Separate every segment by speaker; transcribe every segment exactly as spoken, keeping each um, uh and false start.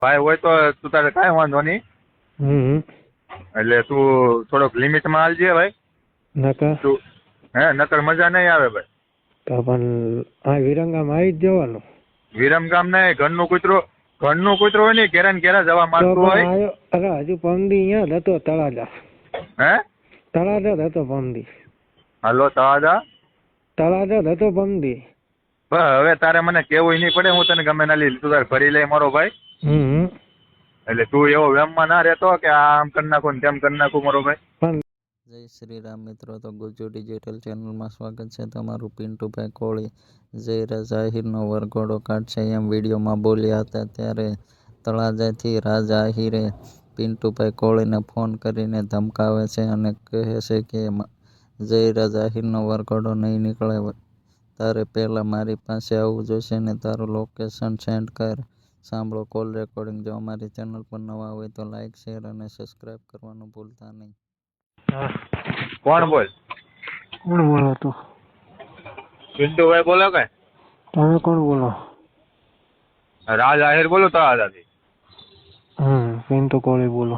Speaker 1: ભાઈ હોય તો તું તારે કાંઈ વાંધો નહીં.
Speaker 2: હમ
Speaker 1: એટલે તું થોડોક લિમિટમાં હાલજે ભાઈ.
Speaker 2: નકર
Speaker 1: તું હે નકર મજા નહીં આવે ભાઈ.
Speaker 2: તો પણ આ વિરંગામાં આવી જ જવાનું.
Speaker 1: વિરમગામ નહીં, ઘરનું કૂતરું ઘરનું કૂતરું હોય ને ઘેરા ને ઘેરા જવા
Speaker 2: તો
Speaker 1: માંગતું
Speaker 2: પણ
Speaker 1: હોય.
Speaker 2: આયો અરે હજુ પમદી અહીંયા જ હતો તળાજા.
Speaker 1: હે
Speaker 2: તળાજા જ હતો પમદી.
Speaker 1: હાલો તાજા
Speaker 2: તળાજા જ હતો પમદી.
Speaker 1: બસ હવે તારે મને કેવું નહીં પડે, હું તને ગમે ના લીધું તું તારે ભરી લે મારો ભાઈ.
Speaker 2: હમ
Speaker 1: એટલે તું એવો વેમમાં ના રહેતો કે આ આમ કરી નાખું ને તેમ કરી નાખું મારો ભાઈ.
Speaker 2: પણ
Speaker 3: જય શ્રી રામ મિત્રો, તો ગુજ્જુ ડિજિટલ ચેનલમાં સ્વાગત છે તમારું. પિન્ટુભાઈ કોળી જયરા જાહીરનો વરઘોડો કાઢશે એમ વિડીયોમાં બોલ્યા હતા, ત્યારે તળાજાથી રાજ આહિરે પિન્ટુભાઈ કોળીને ફોન કરીને ધમકાવે છે અને કહે છે કે જયરા જાહીરનો વરઘોડો નહીં નીકળે, તારે પહેલાં મારી પાસે આવવું જોઈશે ને તારું લોકેશન સેન્ડ કર. સાંભળો કોલ રેકોર્ડિંગ. જો અમારી ચેનલ પર નવા હોય તો લાઇક શેર અને સબસ્ક્રાઈબ કરવાનું ભૂલતા નહીં.
Speaker 1: કોણ બોલ?
Speaker 2: કોણ બોલો તો?
Speaker 1: પિન્ટુભાઈ બોલો કે
Speaker 2: તમે કોણ બોલો?
Speaker 1: રાજ આહિર બોલું તળાજાથી.
Speaker 2: હમ પિન્ટુ કોળી બોલો.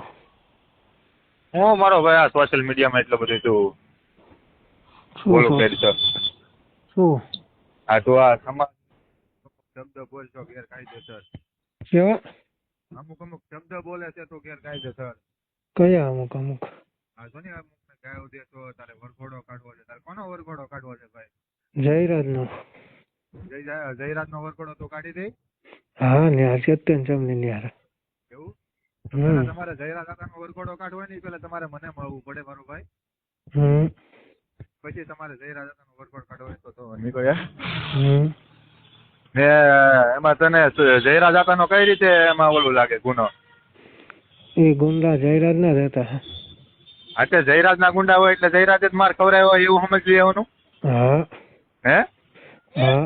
Speaker 1: હું મારો ભાઈ આ સોશિયલ મીડિયામાં એટલું બધું તું
Speaker 2: શું
Speaker 1: બોલું
Speaker 2: શું?
Speaker 1: કરી છો.
Speaker 2: શું
Speaker 1: આ તું આ સમાજ શબ્દ બોલશો ગેરકાયદેસર.
Speaker 2: કેવા
Speaker 1: અમુક અમુક શબ્દ બોલે છે તો ગેરકાયદેસર.
Speaker 2: કયા અમુક અમુક?
Speaker 1: આ જો ને અમુક ગાયો દેશો તારે વરઘોડો કાઢવો છે. તારે કોનો વરઘોડો કાઢવો છે ભાઈ?
Speaker 2: જયરાજનો.
Speaker 1: જય જયરાજ નો વરઘોડો તો કાઢી દે.
Speaker 2: હા ન્યાર સત્યન ચમની ન્યાર.
Speaker 1: એવું
Speaker 2: હમ
Speaker 1: પેલા તમારે જયરાજ કાકાનો વરઘોડો કાઢવો નહીં, પેલા તમારે મને મળવું પડે મારો ભાઈ.
Speaker 2: હમ
Speaker 1: પછી તમારે જયરાજ કાકાનો વરઘોડો કાઢવો હોય તો તો નીકળ્યા.
Speaker 2: હમ
Speaker 1: ને એમાં તને જયરાજ કાકાનો કઈ રીતે એમાં ઓલું લાગે ગુનો?
Speaker 2: એ ગુંડા જયરાજ ના રહેતા.
Speaker 1: અત્યારે જયરાજ ના ગુંડા હોય એટલે જયરાજ જ માર ખવડાવ્યો હોય એવું સમજી લેવાનું.
Speaker 2: હા
Speaker 1: હે
Speaker 2: હા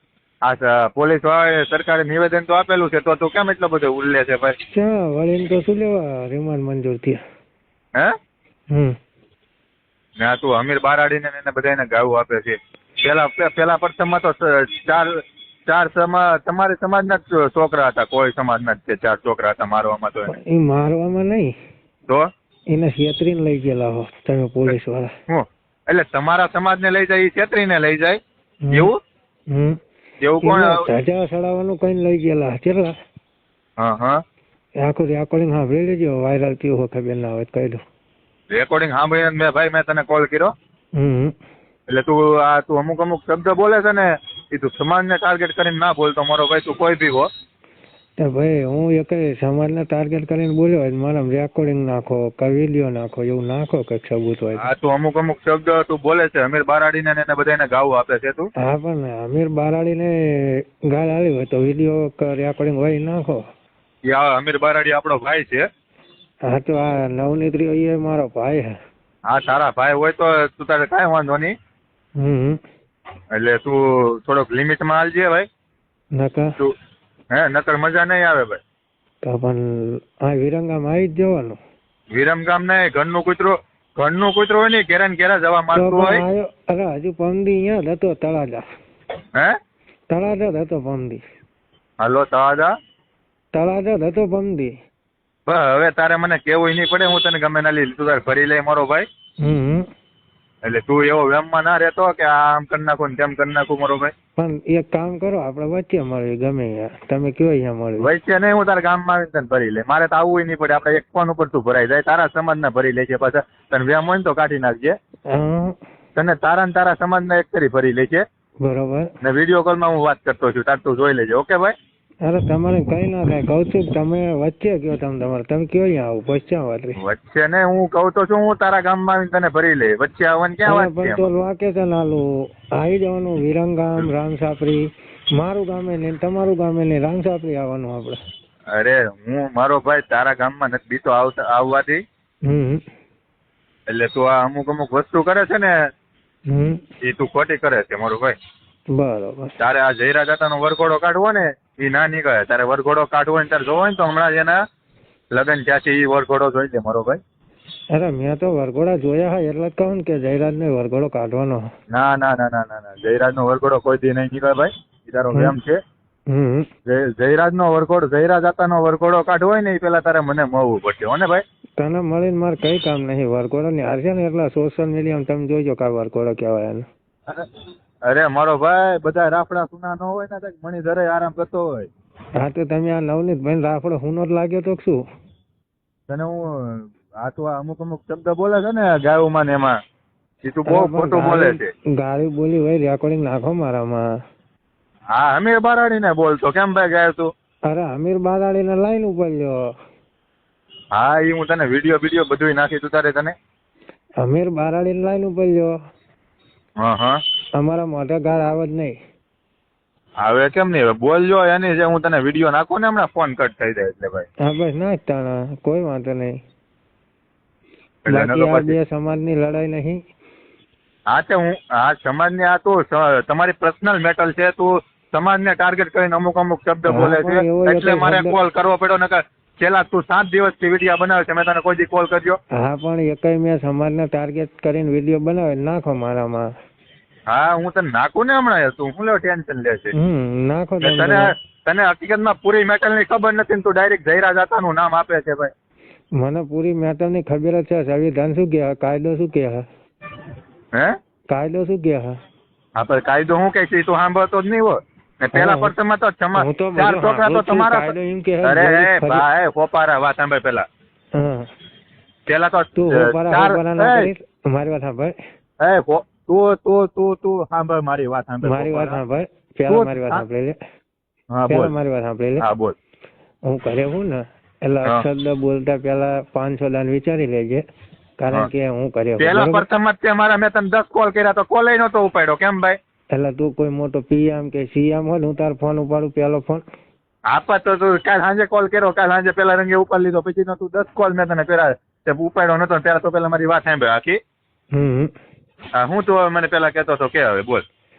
Speaker 1: આ પોલીસ વાળાએ સરકારે નિવેદન તો આપેલું છે, તો તું કેમ એટલો બધો ઉલ્લે છે ભાઈ?
Speaker 2: ક્યાં વળીને તો શું લેવા રિમાન્ડ મંજૂર થયા.
Speaker 1: હે
Speaker 2: હમ
Speaker 1: ને આ તું અમીર બારાડીને ને એને બધાને ગાવું આપે છે. પેલા પેલા પ્રથમમાં તો ચાર ચાર સમા તમારી સમાજના જ છોકરા હતા, કોઈ સમાજના જ તે ચાર છોકરા હતા મારવામાં. તો એને
Speaker 2: એ મારવામાં નહીં,
Speaker 1: તો
Speaker 2: એને છેતરીને લઈ ગયેલા હો તમે પોલીસ વાળા.
Speaker 1: હું એટલે તમારા સમાજને લઈ જાય, એ છેતરીને લઈ જાય એવું?
Speaker 2: હમ
Speaker 1: એવું કોણ?
Speaker 2: ધજા ચડાવવાનું કઈ લઈ ગયેલા કેટલા?
Speaker 1: હા હા
Speaker 2: આખું રેકોર્ડિંગ સાંભળી લેજો, વાયરલ થયું હોય ખબર ના હોય કહી દો.
Speaker 1: રેકોર્ડિંગ સાંભળીને મેં ભાઈ મેં તને કોલ કર્યો.
Speaker 2: હમ
Speaker 1: એટલે તું આ તું અમુક અમુક શબ્દ બોલે છે ને એ તું સમાજને ટાર્ગેટ કરીને ના બોલતો મારો ભાઈ. તું કોઈ બી હો
Speaker 2: તો ભાઈ હું એક સમાજને ટાર્ગેટ કરીને બોલ્યો હોય મારા રેકોર્ડિંગ નાખો કે વિડીયો નાખો એવું નાખો કંઈક સબૂત હોય.
Speaker 1: આ તું અમુક અમુક શબ્દ તું બોલે છે અમીર બારાડીને ને એને બધાને ગાવું આપે છે તું.
Speaker 2: હા પણ અમીર બારાડીને ગાળ આવી હોય તો વિડીયો કે રેકોર્ડિંગ હોય એ નાખો.
Speaker 1: એ આ અમીર બારાડી આપણો ભાઈ છે.
Speaker 2: હા તો આ નવનીત્રી એ મારો ભાઈ હે.
Speaker 1: હા તારા ભાઈ હોય તો તું તારે કાંઈ વાંધો નહીં.
Speaker 2: હમ
Speaker 1: એટલે તું થોડોક લિમિટમાં હાલજે ભાઈ.
Speaker 2: નકર
Speaker 1: તું હે નકર મજા નહીં આવે ભાઈ.
Speaker 2: તો પણ આ વિરંગામાં આવી જ જવાનું.
Speaker 1: વિરમગામ નહીં, ઘરનું કૂતરું ઘરનું કૂતરું હોય ને ઘેરા ને ઘેરા જવા
Speaker 2: તો
Speaker 1: માંગતું
Speaker 2: પણ
Speaker 1: હોય.
Speaker 2: આયો અરે હજુ પમદી અહીંયા જ હતો તળાજા.
Speaker 1: હે
Speaker 2: તળાજા જ હતો પમદી.
Speaker 1: હાલો તાજા
Speaker 2: તળાજા જ હતો પમદી.
Speaker 1: બસ હવે તારે મને કેવું નહીં પડે, હું તને ગમે ના લીધું તું તારે ભરી લે મારો ભાઈ.
Speaker 2: હમ
Speaker 1: એટલે તું એવો વેમમાં ના રહેતો કે આ આમ કરી નાખું ને તેમ કરી નાખું મારો ભાઈ.
Speaker 2: પણ એક કામ કરો આપણે વચ્ચે મળીએ ગમે ત્યાં. તમે કયો અહીંયા મળીએ.
Speaker 1: વચ્ચે નહીં, હું તારા ગામમાં આવીને તને ભરી લે. મારે તો આવવું નહીં પડે, આપણે એક ફોન ઉપર તું ભરાઈ જાય. તારા સમાજના ભરી લેજે, પાછા તને વેમ હોય ને તો કાઢી નાખજે.
Speaker 2: હા
Speaker 1: તને તારા ને તારા સમાજના એક કરી ભરી લેજે.
Speaker 2: બરોબર.
Speaker 1: ને વિડીયો કોલમાં હું વાત કરતો છું, તાર તું જોઈ લેજે. ઓકે ભાઈ?
Speaker 2: અરે તમારે કઈ ના થાય, કહું છું તમે વચ્ચે કયો તમે તમારે તમે કયો અહીંયા આવું પછી ક્યાં વાત રહી.
Speaker 1: વચ્ચે ને હું કહું તો છું, હું તારા ગામમાં આવીને તને ભરી લે. વચ્ચે આવવાની ક્યાં વાત છે?
Speaker 2: તો વાકે છે નાલું આવી જવાનું વિરંગામ રામસાપરી. મારું ગામે ને તમારું ગામે ને રામસાપરી આવવાનું આપણે.
Speaker 1: અરે હું મારો ભાઈ તારા ગામમાં નથી બીતો આવતા આવવાથી.
Speaker 2: હમ
Speaker 1: એટલે તું આ અમુક અમુક વસ્તુ કરે છે ને
Speaker 2: હમ
Speaker 1: એ તું ખોટી કરે છે મારો ભાઈ.
Speaker 2: બરોબર.
Speaker 1: તારે આ જયરા દાદાનો વરઘોડો કાઢવો ને એ ના નીકળે. તારે વરઘોડો કાઢવો ને તારે જોવો ને તો હમણાં જ એના લગ્ન થયા છે, એ વરઘોડો જોઈ લે મારો ભાઈ.
Speaker 2: અરે મેં તો વરઘોડા જોયા હોય એટલે જ કહું ને કે જયરાજ ને વરઘોડો કાઢવાનો.
Speaker 1: ના ના ના ના ના ના જયરાજ નો વરઘોડો કોઈ દી નહીં નીકળે ભાઈ. એ તારો વેમ છે.
Speaker 2: હમ
Speaker 1: જયરાજ નો વરઘોડો જયરાજ આતા નો વરઘોડો કાઢવો હોય ને એ પેલા તારે મને મળવું પડશે હો ને ભાઈ.
Speaker 2: તને મળીને મારે કઈ કામ નહીં. વરઘોડો ની હાર છે ને એટલા સોશિયલ મીડિયામાં તમે જોઈજો કા વરઘોડો કહેવાય એને.
Speaker 1: અરે મારો ભાઈ બધા રાફડા સુના ન હોય ને તો મણિધરે આરામ કરતો હોય.
Speaker 2: હા તો તમે આ નવનીત ભાઈ રાફડો હુનો જ લાગ્યો તો શું?
Speaker 1: તને હું આ તો આ અમુક અમુક શબ્દ બોલે છે ને ગાયુમાં ને એમાં એ તું બહુ ખોટું બોલે છે.
Speaker 2: ગાળી બોલી હોય રેકોર્ડિંગ નાખો મારામાં.
Speaker 1: હા અમીર બારાડી ને બોલતો કેમ ભાઈ ગાય તું?
Speaker 2: અરે અમીર બારાડી ને લાઈન ઉપર લ્યો.
Speaker 1: હા એ હું તને વિડીયો વિડીયો બધું નાખી તું તારે તને
Speaker 2: અમીર બારાડી ને લાઈન ઉપર લ્યો.
Speaker 1: હા હા
Speaker 2: અમારા મોઢે ગાળ આવે જ નહીં.
Speaker 1: હવે કેમ નહીં બોલજો એની જે હું તને વિડીયો નાખું ને હમણાં ફોન કટ થઈ જાય એટલે ભાઈ.
Speaker 2: હા બસ ના તાણા કોઈ વાંધો નહીં.
Speaker 1: એટલે એનો તો
Speaker 2: બાકી આ
Speaker 1: પછી
Speaker 2: બે સમાજની લડાઈ નહીં.
Speaker 1: હા તે હું આ સમાજને આ તો સ- તમારી પર્સનલ મેટર છે. તું સમાજને ટાર્ગેટ કરીને અમુક અમુક શબ્દ
Speaker 2: હા,
Speaker 1: બોલે
Speaker 2: પણ એવો
Speaker 1: છે
Speaker 2: એક
Speaker 1: એટલે મારે
Speaker 2: શબ્દ-
Speaker 1: કોલ કરવો પડ્યો નકર છેલ્લા તું સાત દિવસથી વિડીયો બનાવે છે મેં તને કોઈ દી કોલ કર્યો?
Speaker 2: હા પણ એકય મેં સમાજને ટાર્ગેટ કરીને વિડીયો બનાવે નાખો મારામાં.
Speaker 1: હા હું તને નાખું ને હમણાં તું હું લેવો ટેન્શન લે છે?
Speaker 2: હમ નાખો
Speaker 1: ને
Speaker 2: તમે.
Speaker 1: તને તને હકીકતમાં પૂરી મેટર ની ખબર નથી ને તું ડાયરેક્ટ જયરાજ આતાનું નામ આપે છે ભાઈ.
Speaker 2: મને પૂરી મેટર ની ખબર જ છે. સંવિધાન શું કહે, કાયદો શું કહે,
Speaker 1: હે
Speaker 2: કાયદો શું કહે.
Speaker 1: હા પણ કાયદો હું કે છે એ તું સાંભળતો જ નહીં હોય ને. પેલા
Speaker 2: હા,
Speaker 1: પર્સનમાં તો ક્ષમા
Speaker 2: હું તો
Speaker 1: ચાર
Speaker 2: બધું
Speaker 1: છોકરા તો
Speaker 2: સાંભળું છું.
Speaker 1: તમારા
Speaker 2: કાયદો એમ કહે
Speaker 1: અરે
Speaker 2: જેવી
Speaker 1: એ
Speaker 2: ફરી-
Speaker 1: ભાઈ ફોપારા વાત સાંભળ પેલા
Speaker 2: હા
Speaker 1: પેલા તો
Speaker 2: તું
Speaker 1: ચાર-
Speaker 2: હોપારા હોપારા ના
Speaker 1: એ,
Speaker 2: કરીશ. મારી વાત સાંભળ.
Speaker 1: એ ફો- તું તું તું તું સાંભળ મારી વાત સાંભળ
Speaker 2: મારી વાત
Speaker 1: ફોપારા.
Speaker 2: સાંભળ. પેલા
Speaker 1: તું-
Speaker 2: મારી વાત
Speaker 1: હા.
Speaker 2: સાંભળી લે.
Speaker 1: હા
Speaker 2: પેલા
Speaker 1: બોલ
Speaker 2: મારી વાત સાંભળી લે.
Speaker 1: હા બોલ
Speaker 2: હું ઘરે હું ને એટલે
Speaker 1: હા.
Speaker 2: શબ્દ બોલતા પેલા પાંચસો દાન વિચારી લેજે.
Speaker 1: હા.
Speaker 2: કારણ કે હું ઘરે
Speaker 1: પેલા
Speaker 2: બરોબર?
Speaker 1: પ્રથમ જ તે મારા મેં તને દસ કોલ કર્યા તો કોલ નતો ઉપાડ્યો કેમ ભાઈ?
Speaker 2: એટલે તું કોઈ મોટો પીએમ કે સીએમ હોય ને હું તારો ફોન ઉપાડું પેલો ફોન.
Speaker 1: આપા તો તું કાલ સાંજે કોલ કર્યો કાલ સાંજે પેલા રંગે ઉપાડી લીધો પછી નો તું દસ કોલ મેં તને પેલા તે ઉપાડ્યો નતો ત્યારે તો પેલા મારી વાત સાંભળ આખી.
Speaker 2: હમ
Speaker 1: હા, હું તો હવે મને પેલા કહેતો હતો કે હવે બોલ.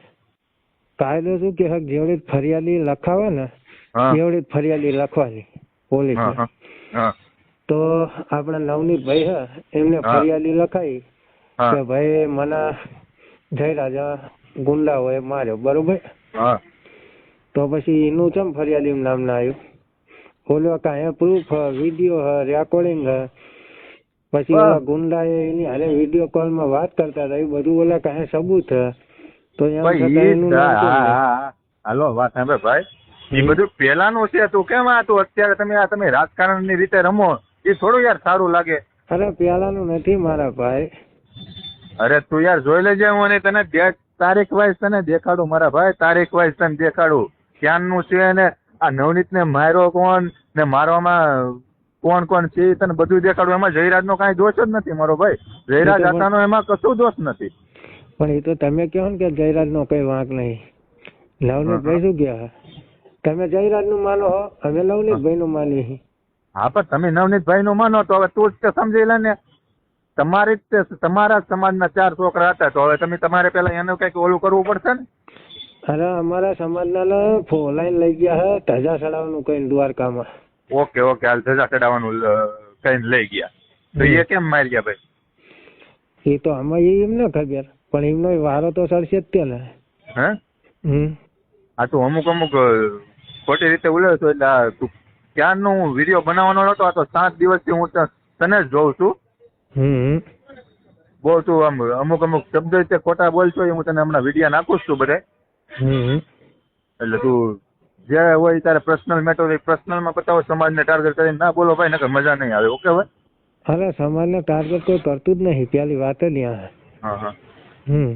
Speaker 2: કાયદો શું કે જેવડી ફરિયાદી લખાવે ને
Speaker 1: હા
Speaker 2: એવડી જ ફરિયાદી લખવાની પોલીસ.
Speaker 1: હા હા હા
Speaker 2: તો આપણા નવનીત ભાઈ હે એમને
Speaker 1: હા.
Speaker 2: ફરિયાદી લખાઈ
Speaker 1: હા
Speaker 2: કે ભાઈ મને જયરાજા ગુંડાઓએ માર્યો બરોબર.
Speaker 1: હા
Speaker 2: તો પછી એનું ચમ ફરિયાદી નામ ના આવ્યું? ઓલો કાંઈ પ્રૂફ વિડીયો રેકોર્ડિંગ પછી
Speaker 1: હા.
Speaker 2: ઓલા ગુંડાએ એની હારે વિડીયો કોલમાં વાત કરતા હતા એ બધું ઓલા કાંઈ સબૂત હે. તો એમ
Speaker 1: ભાઈ
Speaker 2: છતાં
Speaker 1: ઈ
Speaker 2: એનું
Speaker 1: જ-
Speaker 2: નામ
Speaker 1: હા,
Speaker 2: કેમ
Speaker 1: હા,
Speaker 2: નહીં?
Speaker 1: હા. હાલો વાત સાંભળ ભાઈ એ
Speaker 2: હમ.
Speaker 1: બધું પેલાનું છે. તું કેમ આ તું અત્યારે તમે આ તમે રાજકારણ ની રીતે રમો એ થોડું યાર સારું લાગે.
Speaker 2: અરે પેલાનું નથી મારા ભાઈ.
Speaker 1: અરે તું યાર જોઈ લેજે હું અને તને ડેટ તારીખ વાઇઝ તને દેખાડું મારા ભાઈ. તારીખ વાઇઝ તને દેખાડું ક્યાંનું છે ને આ નવનીત ને માર્યો કોણ ને મારવામાં કોણ કોણ છે એ તને બધું દેખાડું. એમાં જયરાજ નો કાંઈ દોષ જ નથી મારો ભાઈ. જયરાજ
Speaker 2: એ તો પણ-
Speaker 1: આતાનો એમાં કશું દોષ નથી.
Speaker 2: પણ એ તો તમે કહો ને કે જયરાજ નો કઈ વાંક નહીં. નવનીત ભાઈ શું કહે? તમે જયરાજ નું માનો હો, અમે નવનીત ભાઈ નું માનીએ.
Speaker 1: હા પણ તમે નવનીતભાઈ નું માનો તો હવે તું જ તે સમજી લે ને. તમારી જ તે તમારા જ સમાજના ચાર છોકરા હતા તો હવે તમે તમારે પેલા એનું કઈક ઓલું કરવું પડશે ને.
Speaker 2: અરે અમારા સમાજના ફોલાઈન લઈ ગયા હે ધજા ચડાવવાનું કઈ દ્વારકામાં.
Speaker 1: ઓકે ઓકે હાલ ધજા ચડાવવાનું કઈ લઈ ગયા તો એ કેમ મારી ગયા ભાઈ?
Speaker 2: એ તો આમાં એ એમ ના ખબર પણ એમનો વારો તો સરશે જ તે ને.
Speaker 1: હે
Speaker 2: હમ
Speaker 1: આ તું અમુક અમુક અ, ખોટી રીતે ઉલ્યો છો એટલે આ તું ક્યારનો હું વિડીયો બનાવવાનો નતો આ તો સાત દિવસથી હું ત- તને જ જોઉં છું.
Speaker 2: હમ
Speaker 1: બહુ તું આમ અમુક અમુક શબ્દ રીતે ખોટા બોલશો એ હું તને હમણાં વિડીયો નાખું જ છું બધે.
Speaker 2: હમ
Speaker 1: એટલે તું જે હોય તારે પર્સનલ મેટર હોય પર્સનલમાં બતાવો. સમાજને ટાર્ગેટ કરીને ના બોલો ભાઈ નકર મજા નહીં આવે. ઓકે ભાઈ.
Speaker 2: અરે સમાજને ટાર્ગેટ કોઈ કરતું જ નહીં પેલી વાત જ ત્યાં.
Speaker 1: હા હા
Speaker 2: હમ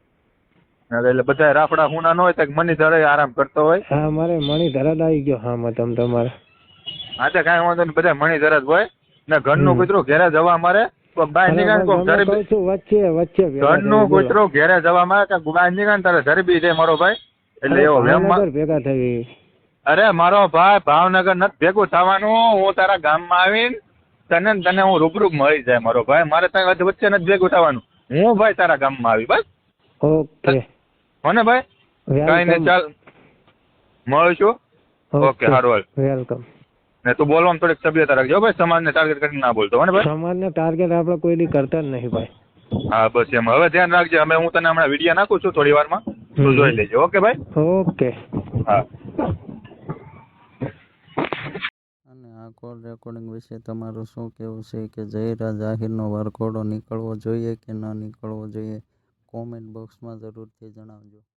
Speaker 1: એટલે બધા રાફડા હુના ન હોય તો મની ધરે આરામ કરતો હોય.
Speaker 2: હા મારે મણી ધરાદ આવી ગયો. હા માં તમ તમારે
Speaker 1: હા તો કાંઈ વાંધો નહીં બધા મણી ધરે જ હોય ને ઘરનું
Speaker 2: હમ.
Speaker 1: કૂતરું ઘેરે જવા મારે કોક બહાર
Speaker 2: અરે
Speaker 1: નીકળે કોક
Speaker 2: હું
Speaker 1: ધરે
Speaker 2: કહું છું વચ્ચે વચ્ચે ભેગા
Speaker 1: ઘરનું
Speaker 2: થઈ બોલો.
Speaker 1: કૂતરું ઘેરે જવા મારે કાંક બહાર નીકળે ને તારે ધરબી છે મારો ભાઈ. એટલે
Speaker 2: અરે
Speaker 1: એવો વેમ
Speaker 2: ભાવનગર ભેગા થઈ.
Speaker 1: અરે મારો ભાઈ ભાવનગર નથી ભેગું થવાનું. હું તારા ગામમાં આવીને તને ને તને હું રૂબરૂ મળી જાય મારો ભાઈ. મારે તારા વચ્ચે નથી ભેગું થવાનું. હું ભાઈ તારા ગામમાં આવી બસ
Speaker 2: ઓકે
Speaker 1: મને ભાઈ કઈ ને
Speaker 2: વેલકમ.
Speaker 1: ચાલ મળીશું. ઓકે સારું હાલ.
Speaker 2: વેલકમ.
Speaker 1: ને તું બોલવામાં થોડીક સભ્યતા રાખજો ભાઈ. સમાજને ટાર્ગેટ કરીને ના બોલતો હો ને ભાઈ.
Speaker 2: સમાજને ટાર્ગેટ આપણે કોઈ દી કરતા જ નહીં ભાઈ.
Speaker 1: હા બસ એમ હવે ધ્યાન રાખજે. અમે હું તને હમણાં વિડીયો નાખું છું થોડી વારમાં તું
Speaker 2: હમ.
Speaker 1: જોઈ લેજે. ઓકે ભાઈ.
Speaker 2: ઓકે.
Speaker 1: હા
Speaker 3: કોલ રેકોર્ડિંગ વિશે તમારું શું કહેવું છે કે જયરાજ આહિરનો વરઘોડો નીકળવો જોઈએ કે ન નીકળવો જોઈએ? કોમેન્ટ બોક્સમાં જરૂરથી જણાવજો.